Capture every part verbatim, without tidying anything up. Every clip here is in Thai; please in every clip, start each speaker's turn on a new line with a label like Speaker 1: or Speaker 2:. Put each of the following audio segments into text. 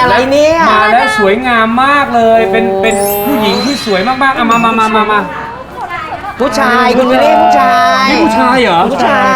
Speaker 1: อะไรเนี่ย
Speaker 2: มาแล้วสวยงามมากเลยเป็นเป็นผู้หญิงที่สวยมากๆเอามามามามามา
Speaker 1: ผู้ชายคุณวิลลี่ผู้ชาย
Speaker 2: นี่ผู้ชายเหรอ
Speaker 1: ผู้ชาย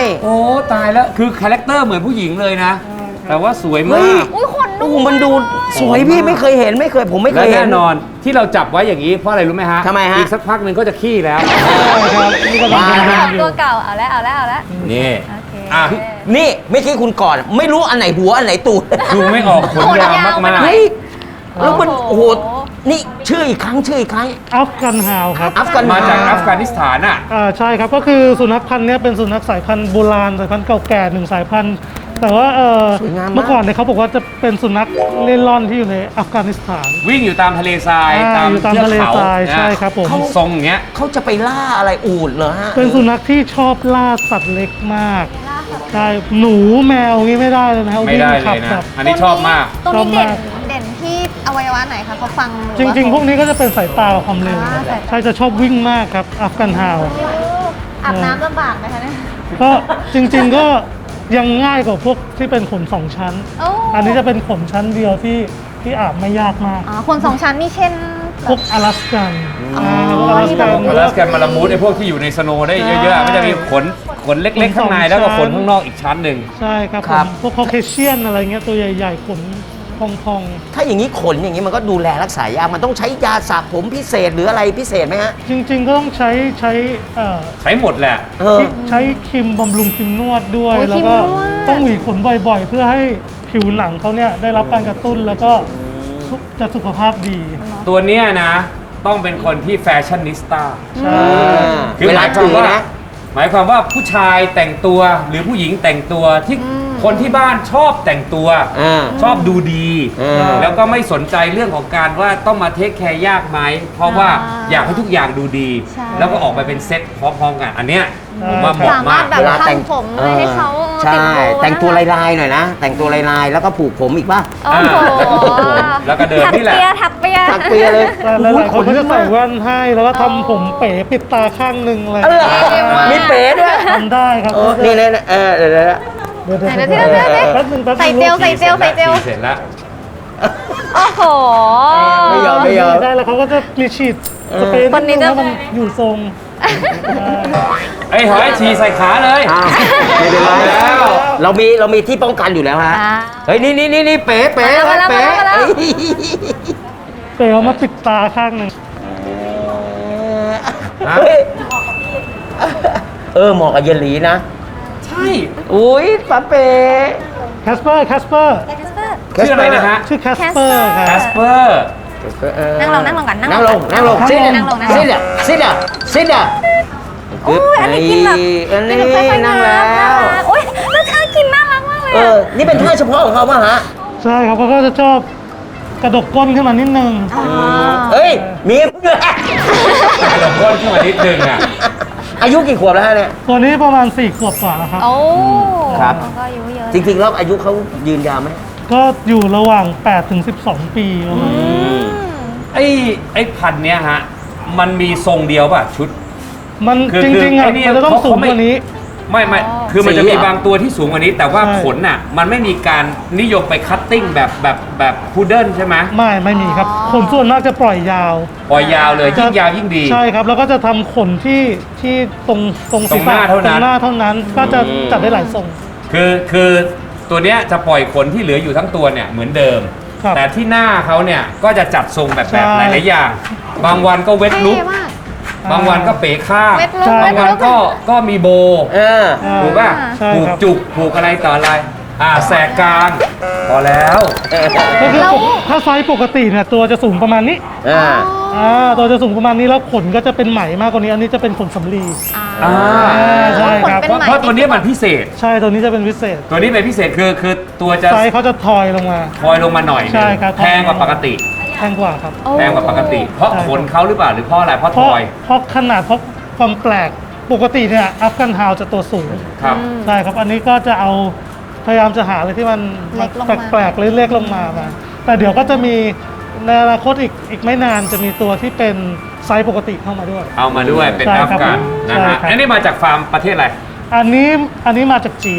Speaker 2: โอ้ตายแล้วคือคาแรคเตอร์เหมือนผู้หญิงเลยนะ แต่ว่าสวย
Speaker 1: เฮ้
Speaker 2: มาย ก
Speaker 3: อุ้ยขน
Speaker 1: โอ้
Speaker 3: นุ่ม
Speaker 1: มันดูสวยพี่ไม่เคยเห็นไม่เคยผมไม่เค
Speaker 2: และ
Speaker 1: ยเห็
Speaker 2: แน่
Speaker 1: น
Speaker 2: นอนที่เราจับไว้อย่างนี้เพราะอะไรรู้ไหมฮะ
Speaker 1: ทำไมฮะ
Speaker 2: อีกสักพักหนึ่งก็จะขี้แล้ว
Speaker 4: ครับนี่ก็เป็น
Speaker 1: ว้าว
Speaker 4: งาน
Speaker 3: ออก
Speaker 4: อยู่
Speaker 3: ตัวเก่าเอาแล้วเอาแล้วเอาแล้ว
Speaker 2: นี่
Speaker 3: โอเค
Speaker 2: อ่ะ
Speaker 1: นี่ไม่คิดคุณก่อน ไม่รู้อันไหนหัวอันไหนตูด
Speaker 2: ดูไม่ออกขนยาวมาก
Speaker 1: เฮ้ยแล้วมัน
Speaker 3: โอ้
Speaker 1: โอ้
Speaker 3: โห
Speaker 1: โหนี่ชื่ออีกครั้งชื่ออีกครั้ง
Speaker 4: อัฟกันฮาวครับ
Speaker 1: อัฟกัน
Speaker 2: ๆมาจากอัฟกานิสถานอ่ะ
Speaker 4: อ่าใช่ครับก็คือสุนัขพันธุ์เนี้ยเป็นสุนัขสายพันธุ์โบราณสายพันธุ์เก่าแก่หนึ่งสายพันธุ์แต่ว่าเออเมื่อก่อนเนี่ยเขาบอกว่าจะเป็นสุนัขเล่ร่อนที่อยู่ในอัฟกานิสถาน
Speaker 2: วิ่งอยู่ตามทะเลทราย
Speaker 4: อ่า
Speaker 2: ตาม
Speaker 4: อยู่ตาม
Speaker 2: เทือก
Speaker 4: ทะเล
Speaker 2: เขา
Speaker 4: ทราย
Speaker 2: นะ
Speaker 4: ใช่ครับผม
Speaker 2: ทรงอย่างเงี้ย
Speaker 1: เขาจะไปล่าอะไรอูฐเหรอฮะ
Speaker 4: เป็นสุนัขที่ชอบล่าสัตว์เล็กมากใช่หนูแมวงี้ไม่ได้เลยนะครับ
Speaker 2: ไม่ได้
Speaker 4: วิ่ง
Speaker 2: เล
Speaker 4: ขับ
Speaker 2: ยนะ
Speaker 4: แบบ
Speaker 2: อันนี้ชอบมาก
Speaker 3: ตรงนี้
Speaker 4: ชอบ
Speaker 3: เด่
Speaker 4: มาน ก
Speaker 3: เด่นที่อวัยวะไหนคะเขาฟังห
Speaker 4: จ
Speaker 3: อว่า
Speaker 4: ริง ๆ พวกนี้ก็จะเป็นสายตากับความเร็ว
Speaker 3: อ่าสายตา
Speaker 4: ใช่จะชอบวิ่งมากครับอัฟกันฮาว
Speaker 3: อาบน้ำลำบากไหมคะเนี่ย
Speaker 4: ก็จริงๆก็ยังง่ายกว่าพวกที่เป็นขนสองชั้น
Speaker 3: โอ้
Speaker 4: อันนี้จะเป็นขนชั้นเดียวที่ที่อาบไม่ยากมาก
Speaker 3: อ๋อคนสองชั้นนี่เช่น
Speaker 4: พวกอลาสกัน
Speaker 3: อ๋อ
Speaker 4: พวกอลาสกัน
Speaker 2: อลาสกันมาลามูดไอ้พวกที่อยู่ในสโนว์ได้เยอะๆมันจะมีขนขนเล็กๆข้างในแล้วก็ขนข้างนอกอีกชั้นหนึ่ง
Speaker 4: ใช่ครับ
Speaker 1: ครับ
Speaker 4: ผมพวกคอเคเชียนอะไรเงี้ยตัวใหญ่ๆขนพอง
Speaker 1: ถ้าอย่างนี้ขนอย่างนี้มันก็ดูแลรักษายากมันต้องใช้ยาสระผมพิเศษหรืออะไรพิเศษไหมฮะ
Speaker 4: ๆ จริง ๆ ก็ต้องใช้ใช้เอ่อ
Speaker 2: ใช้หมดแหละ
Speaker 1: เออ
Speaker 4: ใช้ครีมบำรุงครีมนวดด้วย
Speaker 3: โอ้ย
Speaker 4: แล้วก็
Speaker 3: ครีมนวด
Speaker 4: ต้องหวีขนบ่อยๆ เพื่อให้ผิวหนังเขาเนี่ยได้รับการกระตุ้นแล้วก็จะสุขภาพดี
Speaker 2: ตัวเนี้ยนะต้องเป็นคนที่แฟชั่นนิสต้า
Speaker 4: ใช่
Speaker 2: คือ
Speaker 1: เว
Speaker 2: ห
Speaker 1: ลา
Speaker 2: มายควา
Speaker 1: ถื
Speaker 2: ม
Speaker 1: อ
Speaker 2: ว่า
Speaker 1: นะ
Speaker 2: หมายความว่าผู้ชายแต่งตัวหรือผู้หญิงแต่งตัวที่คนที่บ้านชอบแต่งตัว
Speaker 1: อ่า
Speaker 2: ชอบดูดี
Speaker 1: อืม
Speaker 2: แล้วก็ไม่สนใจเรื่องของการว่าต้องมาเทคแคร์ยากไหมเพราะว่า
Speaker 3: อ่า
Speaker 2: อยากให้ทุกอย่างดูดี
Speaker 3: ใช่
Speaker 2: แล้วก็ออกไปเป็นเซ็ตพร้อมๆกันอันเนี้ยผมว่าเหมาะ
Speaker 3: สามาร
Speaker 2: มา
Speaker 3: ถ
Speaker 2: ก
Speaker 3: แบบ
Speaker 1: เวลาแต่ง
Speaker 3: ทำผมเลยให้เขา
Speaker 1: ใช่
Speaker 3: ติดโบว์
Speaker 1: แต่งตัวลายๆหน่อยนะ แต่งตัวลายๆแล้วก็ผูกผมอีกป่ะ
Speaker 3: โอ้โห
Speaker 2: แล้วก็เดินนี่แหละ
Speaker 3: ถักเปีย
Speaker 1: ตั
Speaker 3: ถั
Speaker 1: ก
Speaker 3: ก
Speaker 1: เปี
Speaker 3: เปี
Speaker 1: ย
Speaker 3: ย
Speaker 1: เลย
Speaker 4: แต่หลายๆคนก็จะใส่แว่นให้แล้วก็ทำผมเป๋ปิดตาข้างหนึ่งอะไร
Speaker 1: เออมีเป๋ด้วย
Speaker 4: ทำได้ครับ
Speaker 1: เออนี่นี่เออเดี๋ยวเดี๋ยว
Speaker 4: เดี๋ยวเดี๋ยว
Speaker 3: ไหน
Speaker 4: เดี๋ยว
Speaker 3: เดี๋ยวเดี๋ยว
Speaker 4: แป๊บนึงแป๊บนึง
Speaker 3: ใส่เจลใส่เจลใส่เจล
Speaker 2: เสร็จแล้ว
Speaker 3: โอ้โห
Speaker 1: ไม่ยอมไม่ยอม
Speaker 4: ได้แล้วเขาก็จะมีฉีดสเปรย์
Speaker 3: คนนี้
Speaker 4: ดง
Speaker 3: จะ
Speaker 4: ให้มันอยู่ทรง
Speaker 2: ไอ้หอยฉี่ใส่ขาเลย
Speaker 1: อ้าวไม่เป็นไร
Speaker 2: แล้ว
Speaker 1: เรามีเรามีที่ป้องกันอยู่แล้วฮะ
Speaker 3: อ่า
Speaker 1: เฮ้ยนี่นี่นี่นี่เป๋เป๋
Speaker 3: มาแล้ว
Speaker 1: เป๋
Speaker 3: มาแล้วมาแล้ว
Speaker 1: เอ้ย
Speaker 4: เปรย์เอามาปิดตาข้างหนึ่ง
Speaker 2: ฮะ
Speaker 1: เฮ้ยเออเหมาะกับเยนหลีนะ
Speaker 2: ใช่
Speaker 1: อุ้ยป้าเป๋
Speaker 4: แคสเปอร์แคสเปอร์
Speaker 2: ชื่ออะไรนะฮะ
Speaker 4: ชื่อแคสเปอร์ค
Speaker 2: แค
Speaker 4: รับ
Speaker 2: สเปอร์
Speaker 3: นั่งลงนั่งลงก่อน
Speaker 1: นั่งลงนั่งลง
Speaker 4: นั่งลง
Speaker 1: ซิด
Speaker 3: นั่งลงนั่งลง
Speaker 1: ซิดอ่ะซิดอ่ะซิดอ่ะ
Speaker 3: โอ้ยอันนี้กินแบบ
Speaker 1: อันนี้
Speaker 3: กิแบบค่อยๆ
Speaker 1: นั่ง
Speaker 3: นั
Speaker 1: แล้
Speaker 3: บนะ
Speaker 1: ว
Speaker 3: คะโอ้ยแล้วท่ากินน่ารักมากเลย
Speaker 1: เอ
Speaker 3: อะ
Speaker 1: อนี่เป็นท่าเฉพาะของเขาป่ะฮะ
Speaker 4: ใช่ครับเขาก็จะชอบกระดกก้นขึ้นมานิดนึง
Speaker 3: อ๋อ
Speaker 1: เฮ้ยมีด้วย
Speaker 2: กระโดดก้นขึ้นมานิดนึงอ่ะ
Speaker 1: อายุกี่ขวบแล้วฮะเนี่ย
Speaker 4: ตัวนี้ประมาณสี่ขวบกว่าแล้วครับ
Speaker 3: โอ้
Speaker 1: ครับ
Speaker 3: ก็อายุเยอะ
Speaker 1: จริงๆแล้วอายุเขายืนยาวไหม
Speaker 4: ก็อยู่ระหว่างแปดถึงสิบสองปีประมาณนี้
Speaker 3: อืม
Speaker 2: ไอ้ไอ้พันธุ์เนี้ยฮะ มันมีทรงเดียวป่ะชุด
Speaker 4: มัน
Speaker 2: คือ
Speaker 4: จริงๆอ่ะ
Speaker 2: คือไอ้นี่
Speaker 4: มันจะต้อง
Speaker 2: เขา
Speaker 4: สูง
Speaker 2: เขาไม่
Speaker 4: กว่านี้
Speaker 2: ไม่ไม่
Speaker 3: อ๋อ
Speaker 2: คือมันจะ
Speaker 1: สี
Speaker 2: มี
Speaker 1: เหรอ
Speaker 2: บางตัวที่สูงกว่านี้ แต่ว่า
Speaker 4: ใช่
Speaker 2: ขนน่ะ มันไม่มีการนิยมไปคัตติ้งแบบแบบแบบพุดเดิ้ลใช่ไหม
Speaker 4: ไม่ไม่มีครับ
Speaker 3: อ๋อ
Speaker 4: ขนส่วนมากจะปล่อยยาว
Speaker 2: ปล่อยยาวเลยยิ่งยาวยิ่งดี
Speaker 4: ใช่ครับ แล้วก็จะทำขนที่ที่ตรงตรง
Speaker 2: ตรงหน้า
Speaker 4: ศีรษะ
Speaker 2: เท่านั้น
Speaker 4: ตรงหน้าเท่านั้น ก็จะจัดได้หลายทรง
Speaker 2: คือคือตัวเนี้ยจะปล่อยขนที่เหลืออยู่ทั้งตัวเนี่ยเหมือนเดิม
Speaker 4: ครับ
Speaker 2: แต่ที่หน้าเขาเนี่ยก็จะจัดทรงแบบแบบ
Speaker 4: ใช่
Speaker 2: หลายๆอย่าง บางวันก็เวทลุก
Speaker 3: เท่มาก
Speaker 2: บางวันก็เป๋ข้าง
Speaker 3: เวทลุก
Speaker 4: ใช่
Speaker 2: บางวันก็ก็มีโบ
Speaker 1: เออ
Speaker 4: อ่า
Speaker 2: ถูกป่ะ
Speaker 4: ใช่
Speaker 2: ผูก
Speaker 4: ครับ
Speaker 2: จุกผูกอะไรต่ออะไร อ่าแสกกลาง พอแล้ว
Speaker 4: ก็คือ
Speaker 3: แล้ว
Speaker 4: ปกถ้าไซส์ปกติเนี่ยตัวจะสูงประมาณนี้
Speaker 1: อ่า
Speaker 4: อ่าตัวจะสูงประมาณนี้แล้วขนก็จะเป็นไหมมากกว่านี้ อันนี้จะเป็นขนสำลี
Speaker 2: อ่า
Speaker 4: ใช่ครับ
Speaker 2: เพราะเพราะตัวนี้มันพิเศษ
Speaker 4: ใช่ตัวนี้จะเป็นพิเศษ
Speaker 2: ตัวนี้เป็นพิเศษคือคือตัวจะ
Speaker 4: ไซส์เขาจะทอยลงมา
Speaker 2: คอยลงมาหน่อยหนึ่ง
Speaker 4: ใช่ครับ
Speaker 2: แพงกว่าปกติ
Speaker 4: แพงกว่าครับ
Speaker 3: โอ้
Speaker 2: แพงกว่าปกติ เพราะ
Speaker 4: ใช่
Speaker 2: ขนเขาหรือเปล่าหรือเพราะอะไรเพราะ
Speaker 4: เพ
Speaker 2: ท
Speaker 4: ราะ
Speaker 2: อย
Speaker 4: เพราะขนาดเพราะความแปลกปกติเนี่ยอัฟกันฮาวจะตัวสูง
Speaker 2: ครับ
Speaker 4: ใช่ครับ อันนี้ก็จะเอาพยายามจะหาอะไรที่มัน
Speaker 3: เล็กลงมา
Speaker 4: แปลกๆเล็กๆลงมามา แต่เดี๋ยวก็จะมีในอนาคตอีกอีกไม่นานจะมีตัวที่เป็นไซส์ปกติเข้ามาด้วย
Speaker 2: เอามาด้วยเป็น
Speaker 4: ใช่
Speaker 2: อั
Speaker 4: ครั
Speaker 2: ฟ
Speaker 4: บ
Speaker 2: กันนะ
Speaker 4: ใช่
Speaker 2: ฮะ
Speaker 4: ครับ
Speaker 2: อันนี้มาจากฟาร์มประเทศอะไร
Speaker 4: อันนี้อันนี้มาจากจีน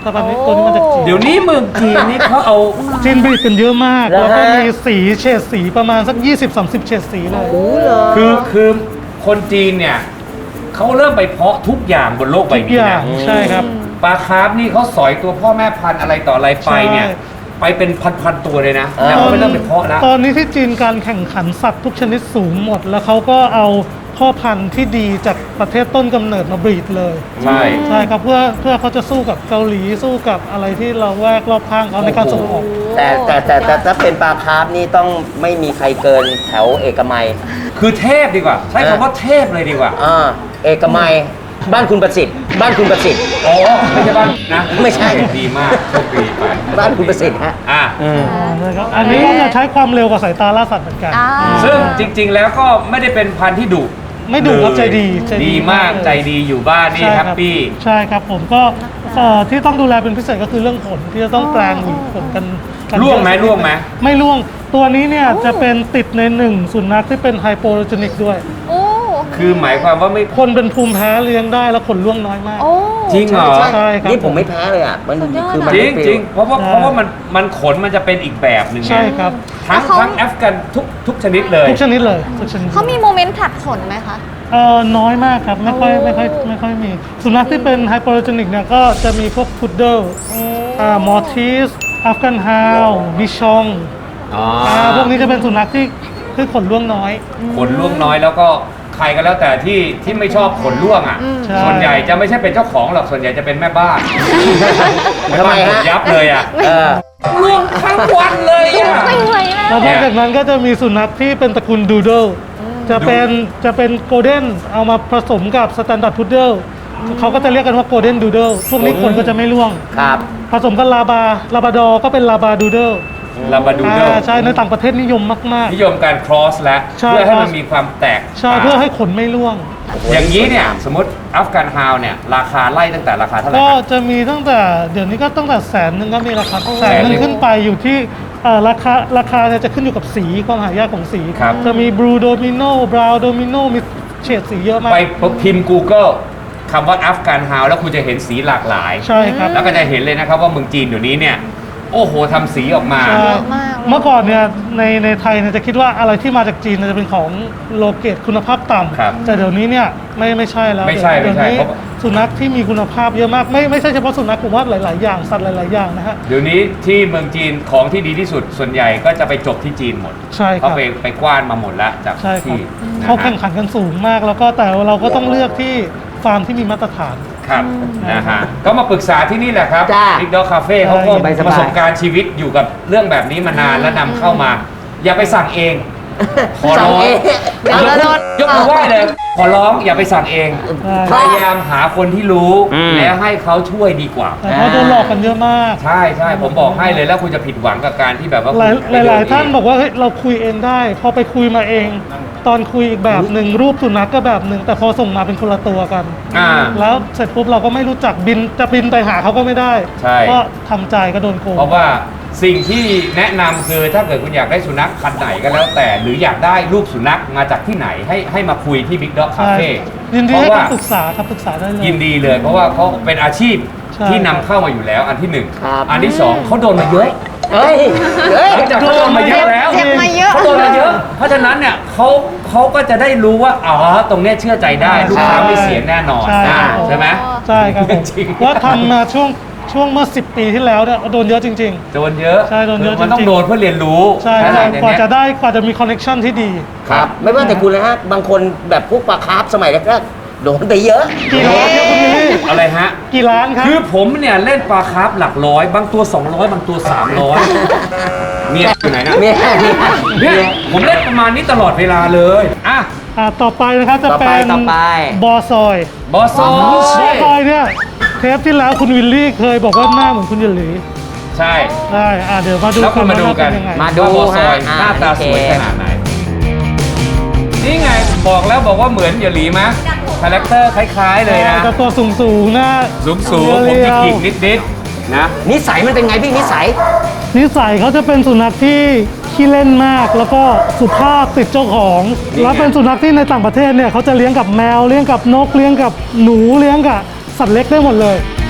Speaker 4: สายพันธุ์นี้ตัวนี้มาจากจีน
Speaker 2: เดี๋ยวนี้เมืองจีนนี่เขาเอา
Speaker 4: จีนบรีดกันเยอะมาก
Speaker 1: แล้ว
Speaker 4: แล้วก็
Speaker 1: ฮะ
Speaker 4: มีสีเฉดสีประมาณสัก ยี่สิบสามสิบ เฉดสีเลย
Speaker 1: โอ้เหรอ
Speaker 2: คือคือคนจีนเนี่ยเขาเริ่มไปเพาะทุกอย่างบนโลกใบ
Speaker 4: ทุก
Speaker 2: นี้
Speaker 4: อย่า
Speaker 2: นะ
Speaker 4: งใช่ครับ
Speaker 2: ปลาคาร์ฟนี่เขาสอยตัวพ่อแม่พันธุ์อะไรต่ออะไรไปเนี่ย
Speaker 4: ใช่
Speaker 2: ไปเป็นพันๆตัวเลยนะ
Speaker 1: เออ
Speaker 2: แล้วเขาไปเริ่มไปเพาะแล้ว
Speaker 4: ตอนนี้ที่จีนการแข่งขันสัตว์ทุกชนิดสูงหมด แล้วเขาก็เอาพ่อพันธุ์ที่ดีจากประเทศต้นกำเนิดมาบรีดเลย
Speaker 2: ใช่
Speaker 4: ใช่ครับเพื่อเพื่อเขาจะสู้กับเกาหลีสู้กับอะไรที่เราแวกรอบข้างเขาในการส่งออก
Speaker 1: แต่แต่แต่แต่ถ้าเป็นปลาคาร์ฟนี่ต้องไม่มีใครเกินแถวเอกมัย
Speaker 2: คือเทพดีกว่า ใช้คำว่าเทพเลยดีกว่า
Speaker 1: อ่าเอกมัยบ้านคุณประสิทธิ์ บ้านคุณประสิทธิ์
Speaker 2: อ๋อไม่ใช่บ้านนะ
Speaker 1: ไม่ใช่
Speaker 2: ดีมากโชคดีไป
Speaker 1: บ้านคุณประสิทธิ์ฮะ
Speaker 2: อ่ะ
Speaker 4: นะครับอันนี้ก็จะใช้ความเร็วกว่าสายตาล่าสัตว์เหมือนกัน
Speaker 3: อ่า
Speaker 2: ซึ่งจริง ๆ แล้วก็ไม่ได้เป็นพันธุ์ที่ดุ
Speaker 4: ไม่ดุครับ
Speaker 2: เลย
Speaker 4: ใจดีใจดี
Speaker 2: ดีมาก
Speaker 4: มากเลย
Speaker 2: ใจดีอยู่บ้านนี่
Speaker 4: ใช่
Speaker 2: แฮ
Speaker 4: ครับ
Speaker 2: ปปี้
Speaker 4: ใช่ครับผมก็เอ่อที่ต้องดูแลเป็นพิเศษก็คือเรื่องขนที่จะต้องแปลงหวีขนกันกัน
Speaker 2: ร่วงไหม
Speaker 4: เยอะ
Speaker 2: ร่วงไหม
Speaker 4: ไม่ร่วงตัวนี้เนี่ยจะเป็นติดในหนึ่งสุนัขที่เป็นไฮโปโลเจนิกด้วย
Speaker 3: โอ้
Speaker 2: คือหมายความว่าไม่
Speaker 4: คนเป็นภูมิแพ้เลี้ยงได้แล้วขนร่วงน้อยมาก
Speaker 3: โอ้
Speaker 2: จริงเหรอ
Speaker 4: ใช่ครับ
Speaker 1: นี่ผมไม่แพ้เลยอ่ะ มัน
Speaker 3: สุดยอด
Speaker 1: คือมัน
Speaker 2: จริ
Speaker 1: ไม่
Speaker 2: ง
Speaker 1: ปลิว
Speaker 2: จริงเพราะว่า
Speaker 4: ใช่
Speaker 2: เพราะว่ามันมันขนมันจะเป็นอีกแบบหนึ่งไง
Speaker 4: ใช่ครับ
Speaker 2: ทั้ง
Speaker 3: แล้วเขา
Speaker 2: ทั้งแอฟกันทุกทุกชนิดเลย
Speaker 4: ทุกชนิดเลยทุกชนิด
Speaker 3: เขามีโมเมนต์ผลัดขนไหมคะ
Speaker 4: เอ่อน้อยมากครับ ไม่ค่อย
Speaker 3: โอ้
Speaker 4: ไม่ค่อยไม่ค่อยมี สุนัขที่เป็นไฮโปโลเจนิกเนี่ยก็จะมีพวกพุดเดิลอ่ามอร์ทิสอัฟกันฮาวบิชอง
Speaker 2: อ๋อ
Speaker 4: อ่าพวกนี้จะเป็นสุนัขที่ที่ขนร่วงน้อย
Speaker 2: ขนร่วงน้อยแล้วก็ใครก็แล้วแต่ที่ที่ไม่ชอบขนร่วงอ่ะ
Speaker 4: ใช่
Speaker 2: ส่วนใหญ่จะไม่ใช่เป็นเจ้าของหรอกส่วนใหญ่จะเป็นแม่บ้าน
Speaker 1: ทำไมฮะ
Speaker 2: ขนยับเลยอ่ะ
Speaker 1: เออ
Speaker 2: ร่วงทั้งวันเลยอ่ะ
Speaker 3: ไม่ไหวแล้ว
Speaker 4: แล้วนอกจากนั้นก็จะมีสุนัขที่เป็นตระกูลดูโดลจะเป็นจะเป็นโกลเด้นเอามาผสมกับสแตนดาร์ดพุดเดิลเขาก็จะเรียกกันว่าโกลเด้นดูโดลพวกนี้ขนก็จะไม่ร่วง
Speaker 1: ครับ
Speaker 4: ผสมกับลาบาลาบาดอร์ก็เป็นลาบาดูโดล
Speaker 2: ลาบาดูโด
Speaker 4: อ่าใช่ในต่างประเทศนิยมมาก
Speaker 2: นิยมการ cross แล้ว
Speaker 4: ใช่
Speaker 2: เพื่อให้
Speaker 4: ครับ
Speaker 2: มันมีความแตก
Speaker 4: ๆ ใช่เพื่อให้ขนไม่ร่วง
Speaker 2: อย่างนี้เนี่ย สมมติอัฟกันฮาวเนี่ยราคาไล่ตั้งแต่ราคาเท่าไหร่
Speaker 4: ก็
Speaker 2: ครับ
Speaker 4: จะมีตั้งแต่เดี๋ยวนี้ก็ตั้งแต่แสนหนึ่งก็มีราคาแส
Speaker 2: แส
Speaker 4: น
Speaker 2: น
Speaker 4: ห
Speaker 2: หนึ่
Speaker 4: นึ่ง
Speaker 2: ง
Speaker 4: ขึ้นไปอยู่ที่เอ่อราคาราคาเนี่ยจะขึ้นอยู่กับสีความหายากของสี
Speaker 2: ครับ
Speaker 4: จะมีบลูโดมิโนบราวโดมิโนมีเฉดสีเยอะมาก
Speaker 2: ไปพิมพ์ Google คำว่าอัฟกันฮาวแล้วคุณจะเห็นสีหลากหลาย
Speaker 4: ใช่ครับ
Speaker 2: แล้วก็จะเห็นเลยนะครับว่าเมืองจีนเดี๋ยวนี้เนี่ย โอ้โหทำสีออกมา
Speaker 4: ใช่
Speaker 3: เยอะมากเลย
Speaker 4: เมื่อก่อนเนี่ยในในไทยเนี่ยจะคิดว่าอะไรที่มาจากจีนเนี่ยจะเป็นของโลเกตคุณภาพต่
Speaker 2: ครับ
Speaker 4: ำแต่เดี๋ยวนี้เนี่ยไม่ไม่ใช่แล้ว
Speaker 2: ไม่ใช่
Speaker 4: เดี๋ยว
Speaker 2: ไม่ใช่
Speaker 4: นี้
Speaker 2: เพราะ
Speaker 4: สุนัขที่มีคุณภาพเยอะมากไม่ไม่ใช่เฉพาะสุนัขผมว่าหลาย ๆ อย่างสัตว์หลาย ๆ อย่างนะฮะ
Speaker 2: เดี๋ยวนี้ที่เมืองจีนของที่ดีที่สุดส่วนใหญ่ก็จะไปจบที่จีนหมด
Speaker 4: ใช่ค
Speaker 2: เขา
Speaker 4: รับ
Speaker 2: ไปไปกว้านมาหมดแล้วจาก
Speaker 4: ใช่ครับ
Speaker 2: ที่นะ
Speaker 4: เขาแข่ง
Speaker 2: ฮะ
Speaker 4: ขันกันสูงมากแล้วก็แต่เราก็ต้องเลือกที่ฟาร์มที่มีมาตรฐาน
Speaker 2: ครับนะฮะก็มาปรึกษาที่นี่แหละครับ
Speaker 1: จ้า
Speaker 2: บิ๊กด็อกคาเฟ่เขาก็
Speaker 1: สบายๆ
Speaker 2: ประสบการณ์ชีวิตอยู่กับเรื่องแบบนี้มานานและนำเข้ามา อย่าไปสั่งเอง ขอร้อง
Speaker 1: สั่งเอง
Speaker 2: ยก
Speaker 3: แล้วโดน
Speaker 2: ยกมือไหว้เลย ขอร้องอย่าไปสั่งเอง
Speaker 4: ใช่
Speaker 2: พยายามหาคนที่รู้
Speaker 1: อืม
Speaker 2: แล้วให้เขาช่วยดีกว่า
Speaker 4: แต่เขาโดนหลอกกันเยอะมาก
Speaker 2: ใช่ใช่ผมบอกให้เลยแล้วคุณจะผิดหวังกับการที่แบบว่า
Speaker 4: หลาย
Speaker 2: คุณไป
Speaker 4: หลาย
Speaker 2: เดิ
Speaker 4: ๆท่าน
Speaker 2: เอง
Speaker 4: บอกว่าเฮ้ยเราคุยเองได้ พอไปคุยมาเอง ตอนคุยอีกแบบหนึ่งรูปสุนัขก็แบบหนึ่งแต่พอส่งมาเป็นคนละตัวกัน
Speaker 2: อ่า
Speaker 4: แล้วเสร็จปุ๊บเราก็ไม่รู้จักบินจะบินไปหาเขาก็ไม่ได้
Speaker 2: ใช่
Speaker 4: ก็ทำใจก็โดนโกง
Speaker 2: เพราะว่าสิ่งที่แนะนำคือถ้าเกิดคุณอยากได้สุนัขพันธุ์ไหนก็แล้วแต่ หรืออยากได้รูปสุนัขมาจากที่ไหนให้ให้มาคุยที่ Big Dog
Speaker 4: ใช่
Speaker 2: Cafe
Speaker 4: ยินดี
Speaker 2: เพ
Speaker 4: ให้
Speaker 2: ราะว่า
Speaker 4: คำปรึกษาครับปรึกษาได้เลย
Speaker 2: ยินดีเลย เพราะว่าเขาเป็นอาชีพ
Speaker 4: ใช่
Speaker 2: ที่นำเข้ามาอยู่แล้วอันที่หนึ่ง
Speaker 1: ครับ
Speaker 2: อันที่สองเขาโดนมาเยอะ
Speaker 1: เฮ้ย เฮ้ย
Speaker 2: หลังจากเขาโดนมาเยอะแล้ว
Speaker 3: เจ็บมาเยอะ
Speaker 2: เขาโดนมาเยอะ เพราะฉะนั้นเนี่ยเขาเขาก็จะได้รู้ว่าอ๋อตรงเนี้ยเชื่อใจได้ลูกค้าไม่เสียแน่นอน
Speaker 4: ใช่
Speaker 2: อ่า
Speaker 4: ครับ
Speaker 2: ใช่ไหม
Speaker 4: ใช่ครับผม
Speaker 2: จริง
Speaker 4: ว่าทำมาช่วงช่วงเมื่อสิบปีที่แล้วเนี่ยโดนเยอะจริง
Speaker 2: โดนเยอะ
Speaker 4: ใช่โดนเยอะ
Speaker 2: มันต้อ
Speaker 4: จริ
Speaker 2: ง
Speaker 4: งๆ
Speaker 2: โดนเพื่อเรียนรู้
Speaker 4: ๆ ใช่
Speaker 2: ไหม
Speaker 4: ใช่
Speaker 2: ใน
Speaker 4: กว่า
Speaker 2: เนี้ย
Speaker 4: จะได้กว่าจะมีคอนเนคชั่นที่ดี
Speaker 1: ครับ ไม่ว่าแต่คุณนะฮะ บางคนแบบพวกปลาคาร์ฟสมัยแรกๆโดนไปเยอะ
Speaker 4: กี่ล้านครับคุณวิลลี่
Speaker 2: อะไรฮะ
Speaker 4: กี่ล้านครับ
Speaker 2: คือผมเนี่ยเล่นปลาคาร์ฟหลักร้อย บางตัว สองร้อย บางตัว สามร้อย เมียอยู่ไหนนะ
Speaker 1: เนี่ยเนี่ย
Speaker 2: เนี่ยผมเล่นประมาณนี้ตลอดเวลาเลยอ่ะ
Speaker 4: อ่าต่อไปนะครับจะ
Speaker 1: ต่อ
Speaker 4: เป็
Speaker 1: ไป
Speaker 4: น
Speaker 1: ต่อไป
Speaker 4: บอซอย
Speaker 2: บอสโซ
Speaker 4: บอซอยเนี่ยเทปที่แล้วคุณวิลลี่เคยบอกว่าหน้าเหมือนคุณหยินหลี
Speaker 2: ใช่
Speaker 4: ได้อ่าเดี๋ยวมาดู
Speaker 2: แล้วคุณมาดูกัน
Speaker 4: ว่เป็นยังไง
Speaker 1: มา ดู
Speaker 2: ว่าบอสซอย
Speaker 1: ฮะ
Speaker 2: หน้าตา
Speaker 1: โอเค
Speaker 2: สวยขนาดไหน นี่ไงบอกแล้วบอกว่าเหมือนอย่าหลีมะคาแรคเตอร์คล้ายๆเลยนะ
Speaker 4: แต่ตัวสูงสูงๆหน้า
Speaker 2: สูงสูงๆผม
Speaker 4: เรี
Speaker 2: จิ
Speaker 4: ยว
Speaker 2: กๆนิดๆนะ
Speaker 1: นิสัยมันเป็นไงพี่นิสัย
Speaker 4: ๆนิสัยเขาจะเป็นสุนัขที่ขี้เล่นมาก แล้วก็สุภาพติดเจ้าของ
Speaker 2: นี่ไง
Speaker 4: แล้วเป็นสุนัขที่ในต่างประเทศเนี่ยเขาจะเลี้ยงกับแมวเลี้ยงกับนกเลี้ยงกับหนูเลี้ยงกับสัตว์เล็กได้หมดเลย